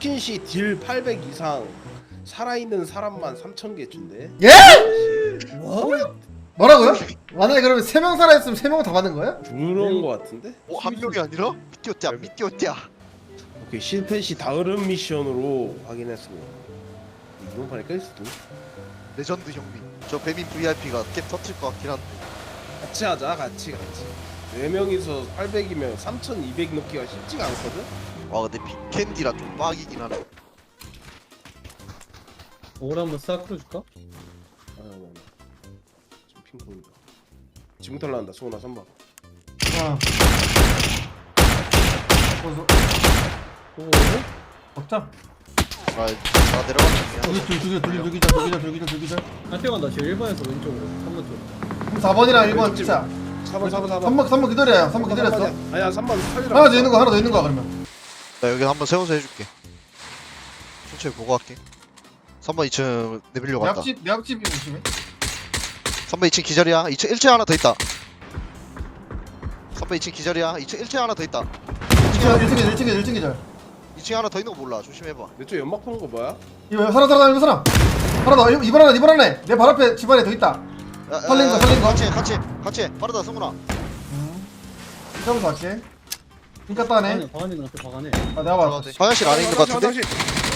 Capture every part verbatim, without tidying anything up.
치킨시 딜 팔백 이상 살아있는 사람만 삼천 개 준대. 예? 뭐? 뭐라고요? 만약에 그러면 세 명 살아있으면 세 명 다 받는 거야? 그런 거 같은데? 어, 한 명이 아니라? 미띄었자 미띄었자. 오케이, 실패 시 다음 미션으로 확인했습니다. 이번 판에 깰 수도. 레전드 형님. 저 배민 브이아이피가 게임 터뜨릴 것 같긴 한데. 같이 하자, 같이 같이. 네 명이서 팔백이면 삼천이백 넣기가 쉽지가 않거든. 와 근데 빅캔디라 좀 빡이긴 하네. 오라 한번 싹 풀어줄까? 아, 뭐, 지금 핑퐁이다. 지금부터 나온다, 소나 삼 번. 아. 어서 오. 먹자. 아, 나 내려가는 두개 둘, 두개 둘, 두기자, 두기자, 두기자, 두기자. 한 뛰어간다. 지금 일 번에서 왼쪽으로. 삼 번 쪽. 그럼 사 번이랑 일 번 진짜. 사 번, 사 번, 사 번. 삼 번, 삼 번 기다려요. 삼 번 기다렸어. 아니야, 삼 번 살리라. 하나 더 있는 거, 하나 더 있는 거야 그러면. 나 여기 한번 세워서 해줄게. 천천히 보고 갈게. 삼 번 이 층 내밀려 내 간다. 앞집, 내 앞집이 조심해. 삼 번 이 층 기절이야. 이 층 일 층 하나 더 있다. 삼 번 이 층 기절이야. 이 층 일 층 하나 더 있다. 일 층, 일 층, 일 층, 일 층 기절. 이 층 하나 더 있는 거 몰라. 조심해봐. 내쪽 연막 푸는 거 뭐야? 이거 사람, 사람, 이거 사람. 하나 더, 이번 하나, 이번 하나. 내 발 앞에 집안에 더 있다. 야, 살린 거, 야, 살린 거. 같이 해, 같이 해, 같이 해. 빠르다 승훈아. 이쪽으로 갈게. 그니까 따네. 방안에 방안에 나한테 방안에. 아, 내가 봐. 들어가도 돼. 화장실 안에 있는 거 같은데? 화장실.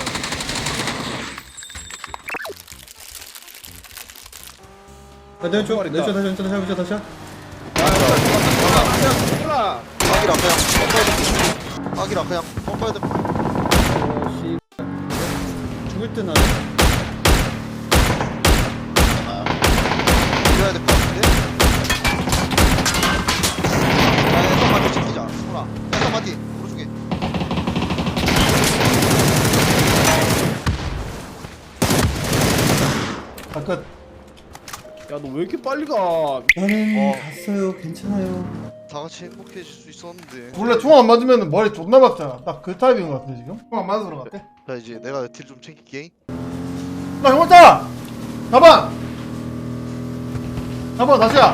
아, 내 왼쪽. 총알 내 있다. 왼쪽 다시 왼쪽 다시 왼쪽 다시. 아, 아기라 그냥 pom파야 돼. 아기라 그냥 pom파야 돼. 어, 씨. 죽을 듯 나네. 이겨야 될 것 같은데? 야, 약간 맞디 지키자. 승훈아. 약간 맞디. 오른쪽에. 아, 끝. 야, 너 왜 이렇게 빨리 가? 저는 어. 갔어요. 괜찮아요. 다 같이 행복해질 수 있었는데. 원래 총 안 맞으면 머리 존나 박잖아. 딱 그 타입인 것 같아 지금. 총 안 맞아서 그런 것 같아. 자 이제 내가 딜 좀 챙길게. 나 형었다. 가방. 가방 다시야.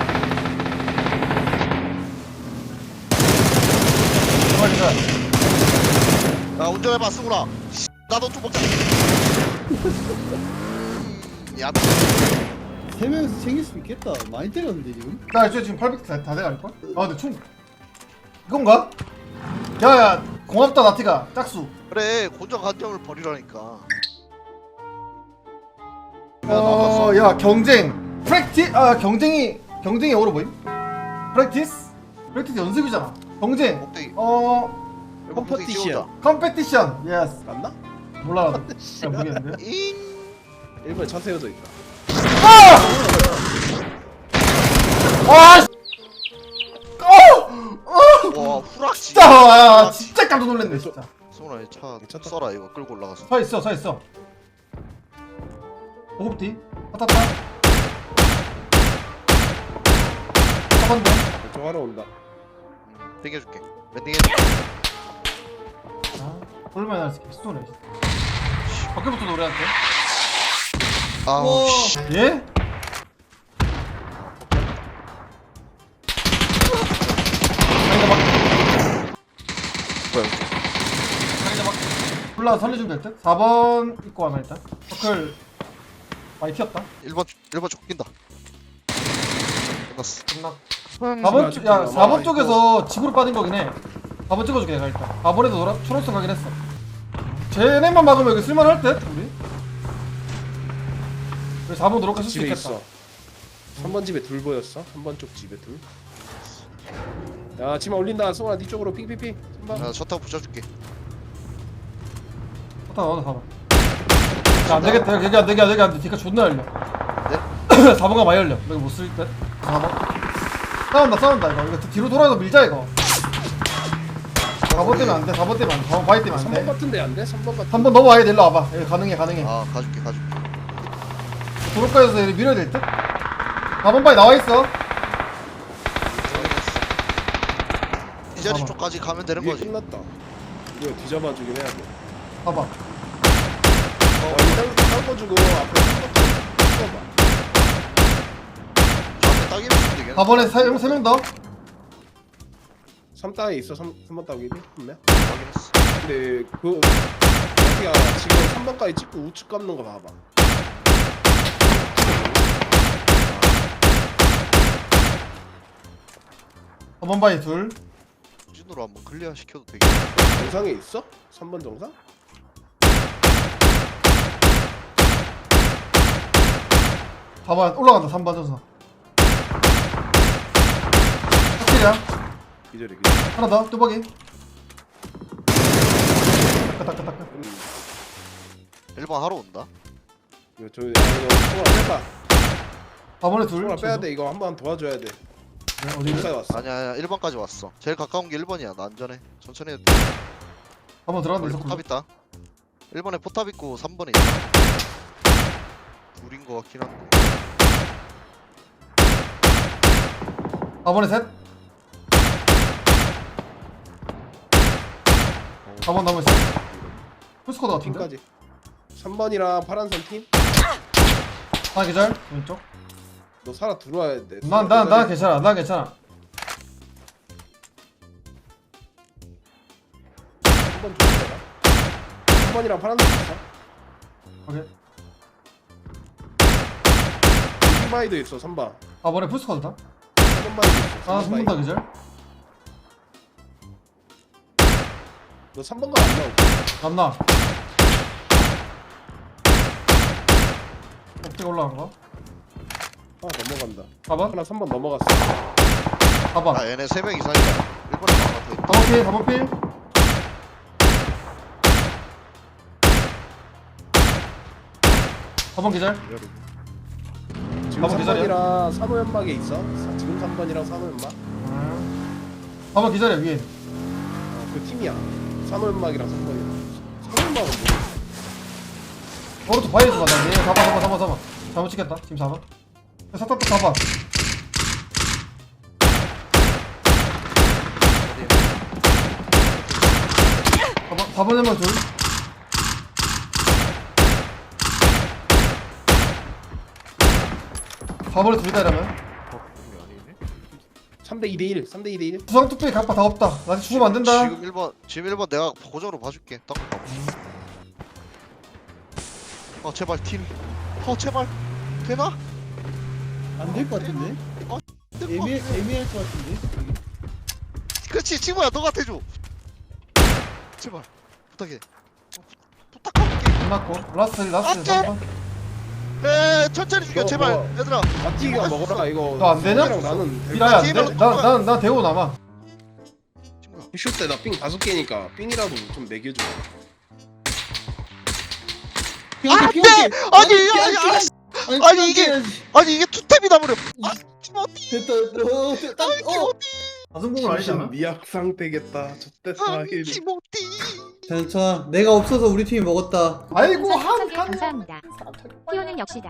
가방 기다. 야 운전해봐 승훈아. 씨, 나도 좀 먹자. 음, 야 세 명에서 챙길 수 있겠다. 많이 때렸는데 지금. 나 이제 지금 팔백 다, 다 돼갈 걸? 아 근데 총 이건가? 야야 고맙다 나티가 짝수. 그래 곤장 관점을 버리라니까. 어야 경쟁. 프랙티 아 경쟁이 경쟁이 어려 보임? 프랙티스? 프랙티스 연습이잖아. 경쟁. 꼭대기. 어 컴퍼티션. 컴페티션. 예스. 맞나? 몰라 나도. 잘 모르겠는데. 잉. 일 번에 차 세워져 있다. 아! 아! 씨. 어! 어! 와 후락지. 진짜 와 진짜 깜짝 놀랐네 진짜. 승훈아 이 차 괜찮다. 써라 이거 끌고 올라가서. 서 있어 서 있어. 오급디. 타타타. 한번 더. 왼쪽 하러 온다. 음, 땡겨줄게. 몇 땡겨줄게. 아, 얼마나 날 새끼 쏘네. 밖에부터 노래할게. 아우 씨. 예? 자기가 막 뭐야? 자기가 막 올라 살려주면 될 듯? 사 번 입고 하나 일단. 서클 많이 튀었다. 일 번 일 번 쪽 낀다. 끝났어. 끝나. 음, 사 번 쪽, 야, 아직도 사 번 남아 쪽에서 집으로 빠진 거긴 해. 사 번 찍어줄게 내가 일단. 사 번에도 노라 초록색 가긴 했어. 쟤네만 막으면 여기 쓸만할 듯 우리. 우리 사 번 노력할 수 집에 있겠다. 있어. 삼 번 집에 둘 보였어. 삼 번 쪽 집에 둘. 야, 치마 올린다. 송아, 네 쪽으로 핑핑핑. 삼 번. 차 타고 붙여줄게. 다 넣어 사 번. 야, 안 되겠다. 여기 안 되게 안 되게 안 돼. 뒤가 존나 열려. 네? 사 번가 많이 열려. 여기 못 쓸 듯. 사 번. 싸운다 싸운다 이거. 이거 뒤로 돌아서 밀자 이거. 사 번 때문에 안 돼. 사 번 때문에 안 돼. 사 번 바이 때문에 안 삼 번 돼. 같은데 안 돼? 삼 번 같은. 한 번 넘어와야 돼. 일로 와봐. 여기 가능해 가능해. 아 가줄게 가줄게. 도로가에서 여기 밀어야 될 듯? 사 번 바이 나와 있어. 이 자리 봐봐. 쪽까지 가면 되는 이게 거지. 끝났다. 이거 뒤잡아 주긴 해야 돼. 봐봐. 어, 일단 닦아주고 앞에 삼 번 봐. 앞에 따기를 주면 되겠네. 사 번에 세 명 더. 삼 따에 있어. 삼 번 따기비 한 명. 확인했어. 근데 그 야 지금 삼 번까지 찍고 우측 감는 거 봐봐. 사 번 바위 둘. 찐으로 한번 클리어 시켜도 되겠다. 정상에 있어? 삼 번 정상? 사 번 올라간다. 삼 번 전선. 확실이야. 기절이 기절. 하나 더. 뚜벅이. 따따따따. 음, 일 번 하러 온다. 이거 저 야, 이거 소라 빼봐. 사 번에 둘. 소라 빼야 돼. 이거 한 번 도와줘야 돼. 네, 어디? 어디까지 왔어? 아니야 아니야 일 번까지 왔어. 제일 가까운 게 일 번이야. 나 안전해. 천천히 해도 돼. 한번 들어간다. 원래 있었고. 포탑 있다. 일 번에 포탑 있고 삼 번에 있다. 둘인 거 같긴 한데. 사 번에 셋. 사 번 남은 셋. 풀스코드 같은데? 팀까지. 삼 번이랑 파란선 팀? 하나 계절. 왼쪽. 너 살아 들어와야 돼. 난, 난, 난 괜찮아. 난 괜찮아. 삼번 조심해라. 삼 번이랑 파란색 있어. 오케이. 흰바이도 있어. 삼 번. 사 번에 풀스코드다. 삼 번 바이도 있어. 아, 삼 번 삼 번 바이. 더 계절. 너 삼 번가 안 나오지? 남나. 어떻게 올라간 거? 아 넘어간다. 사 번? 하나 삼 번 넘어갔어. 사 번. 아 얘네 세 명 이상이다. 일 번에 하나 더 있다. 사 번 필, 사 번 필. 사 번 계절. 지금 번 삼 기다려. 번이랑 산호 연막에 있어. 사- 지금 삼 번이랑 산호 연막. 사 번 계절이야, 위에. 어, 그 팀이야. 산호 연막이랑 삼 번이랑. 산호 연막은 뭐? 오른쪽 바위에 좀 가자. 얘 사 번, 사 번, 사 번, 사 번. 잘못 찍겠다. 지금 사 번. 사탑도 사 번. 사 번, 사 번에 만 둘. 사 번에 둘이다 이러면. 삼 대 이 대 일. 삼 대 이 대 일. 구상 뚝배기 갑바 다 없다. 나 죽으면 안 된다. 지금 일 번 지금 일 번 내가 고정으로 봐줄게. 딱. 어 제발 팀. 어 제발 되나? 안 될 것 같은데? 애매 애매할 것 같은데? 그렇지 친구야 너가 대줘. 제발 부탁해. 어, 부- 부탁할게. 끝났고. 라스트, 라스트 안 돼. 삼 번. 에 천천히 죽여 너 제발 뭐- 얘들아. 마티가 먹어라 이거. 너안 되냐? 랑 나는 될 삐라야 안 돼? 게임으로 나, 나, 나 대고 남아. 친구야. 슛 때 나 삥 다섯 개니까 삥이라도 좀 매겨줘. 피한테 피한테 아니 아니 아니 아니, 이게- 아니 이게 투탭이다 버려. 아 팀어디. 됐다 됐다 어 됐다 어 가슴공은 아니잖아. 미약 상태겠다. 저때 아 사일. 팀어디. 괜찮아 내가 없어서 우리 팀이 먹었다 아이고 한 한 칸. 감사합니다. 피오는 역시다.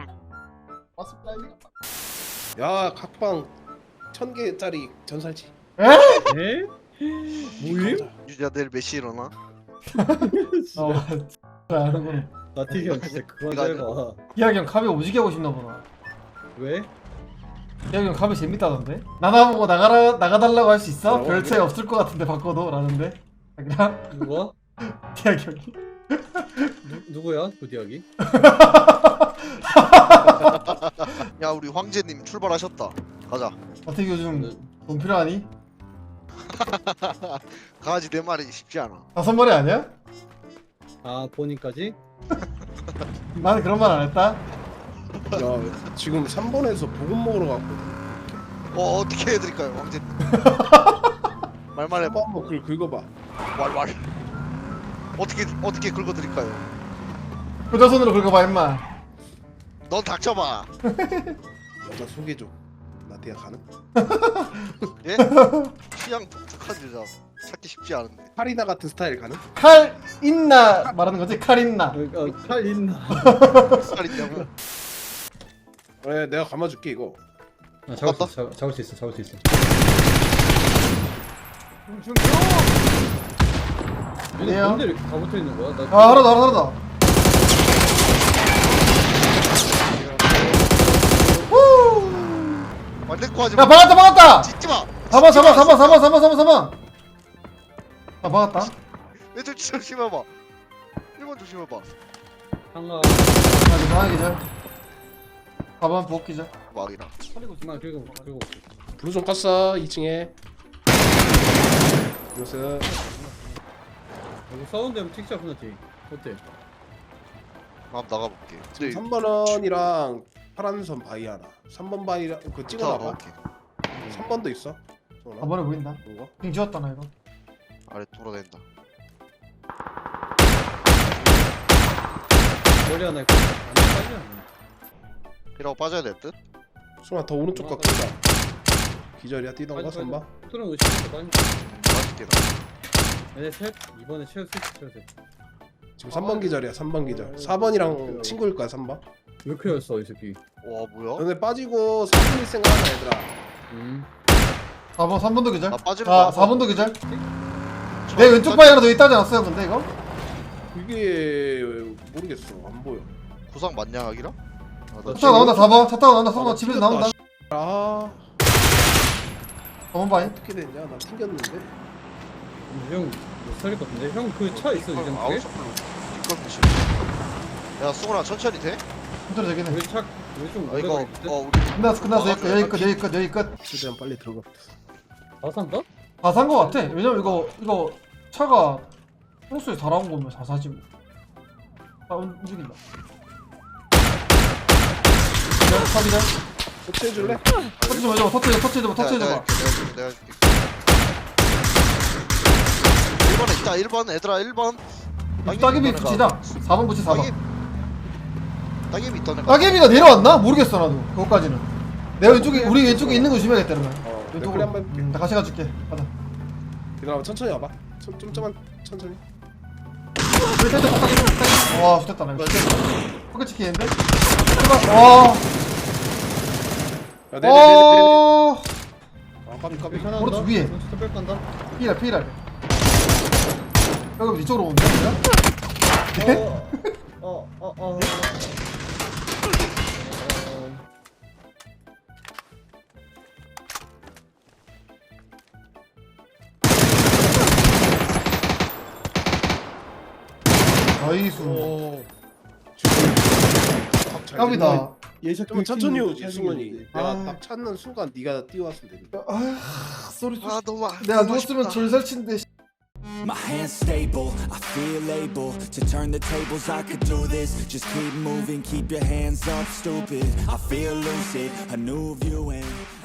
야 각방 천 개짜리 전살치. 에? 뭐임? 유지야 내일 몇 시 일어나? 어, 아는구나. 나티기 형 진짜 그만 이거 좀 해봐 기학이 형 카베 오지게 하고 싶나 보다. 왜? 기학이 형 카베 재밌다던데? 나나보고 나가라 나가달라고 할 수 있어? 어, 별 그래? 차이 없을 것 같은데 바꿔도 라는데. 그냥 누가? 기학이 형이. 누, 누구야? 그 디학이? 야 우리 황제님 출발하셨다. 가자. 어떻게 요즘 돈 필요하니? 강아지 네 마리 쉽지 않아. 다섯 마리 아니야? 아 본인까지? 나는 그런 말 안 했다. 야 지금 삼 번에서 보급 먹으러 갔거든. 어 어떻게 해드릴까요 황제님? 말만 해봐. 한번 그걸 긁어봐. 말말. 어떻게 어떻게 긁어드릴까요? 효자손으로 긁어봐 임마. 넌 닥쳐봐. 여자 소개줘. 나티가 가능? 예? 취향 독특한 여자 찾기 쉽지 않은데. 파리나 같은 스타일 가능? 칼 있나 말하는 거지? 칼 있나? 어, 어, 칼 있나? 살 있냐고. 네 내가 감아줄게 이거. 아, 잡을 수 있어 잡, 잡을 수 있어 잡을 수 있어 얘네 왜요? 뭔데 이렇게 다 붙어있는 거야? 나 아 하나다 하나다. 말대꾸 하지 야 마. 박았다 박았다. 짓지 마. 잡아 잡아 잡아 잡아 잡아 잡아 잡아. 아 박았다. 내좀 조심해봐. 일본 번 조심해봐. 상가 아니 나야 기절. 사 번 부엌 기절. 막이라. 나 그리고 그리고 블루 좀 깠어 이 층에. 요새 여기 사운드면 틱샷 끝났지. 어때? 한번 나가볼게. 근데 삼 번 원이랑 파란 선 바위 하나. 삼 번 바위랑 그거 이따가 찍어놔봐. 가볼게. 삼 번도 있어. 사 번에 보인다. 이거. 빙 지웠다 나 이거. 아래 돌아다닌다. 머리 하나 있고 안 빠지지 않나? 이라고 빠져야 될 듯? 수아 더 오른쪽 각 끄자. 기절이야 뛰던가 빠지, 삼 번. 트론 의식부터 빠진 거. 빠질게 나. 얘네 셋 이번에 최우 셋 최우 셋. 지금 삼 번 기절이야 삼 번 기절. 사 번이랑 친구일 거야 삼 번. 왜 그랬어 이 새끼? 와 뭐야? 너네 빠지고 사 번 일 생각하나 얘들아. 음. 사 번 삼 번도 기절. 나 빠지는 아 거 사 번도 기절. 내 왼쪽 바위 하나 더 있다지 않았어요 근데 이거? 이게 모르겠어 안 보여. 구상 맞냐 하기라? 아, 나 차 타고 나온다 사 번. 차 타고 나온다 사 번. 집에서 나온다. 아 사 번 바위. 어떻게 됐냐 나 튕겼는데. 형못 살릴 것 같은데? 형 그 차 있어 이전 아웃 쪽에? 서플로 이걸 미친. 야 수근아 천천히 돼? 힘들어 되긴 해. 우리 차 우리 좀 아 이거 오래 걸릴 듯? 어 우리 끝났어 끝났어 여기 끝 여기 끝 여기 끝 여기 끝. 최대한 빨리 들어가. 다 산다? 다 산 거 같아. 왜냐면 이거 이거 차가 평소에 다 나온 거면 다 사지 뭐. 다 움- 움직인다. 기절, 차 기절. 터치해줄래? 터치 좀 해줘봐. 터치 터치 해줘봐. 터치 내가 해줘봐. 해줄게, 내가 해줄게, 내가 해줄게. 일 번에 있다 일 번 얘들아 일 번. 따개비 붙이자. 사 번 붙이 사 번. 따개비 있던 애가. 따개비가 내려왔나? 모르겠어 나도. 그거까지는. 내 왼쪽에 우리 왼쪽에 있는 거 조심해야겠다 그러면. 어 왼쪽으로. 왼쪽으로 한번 해볼게. 음, 나 같이 가줄게. 가자. 기다려봐 천천히 와봐. 좀, 좀 좀만 천천히. 우리 떼떼 따개비 따개비. 와 좋겠다 나 이거. 포켓 치킨인데? 제발. 와. 야 내려 내려 내려. 어. 아 까비 까비. 괜찮아. 오른쪽 위에. 진짜 뺄 간다. 피라 피라. 여기 이쪽으로 오는데? 어, 어, 어, 어. 나이스. 오. 깜이다. 예샷 좀 천천히 오지 승원이. 내가 아. 딱 찾는 순간 네가 뛰어왔으면 되는데. 아, 쏘리 쏘리. 아 너무 아- 내가 너무 누웠으면 아쉽다. 졸살친데. My hands stable, I feel able to turn the tables, I could do this. Just keep moving, keep your hands up, stupid. I feel lucid, a new view and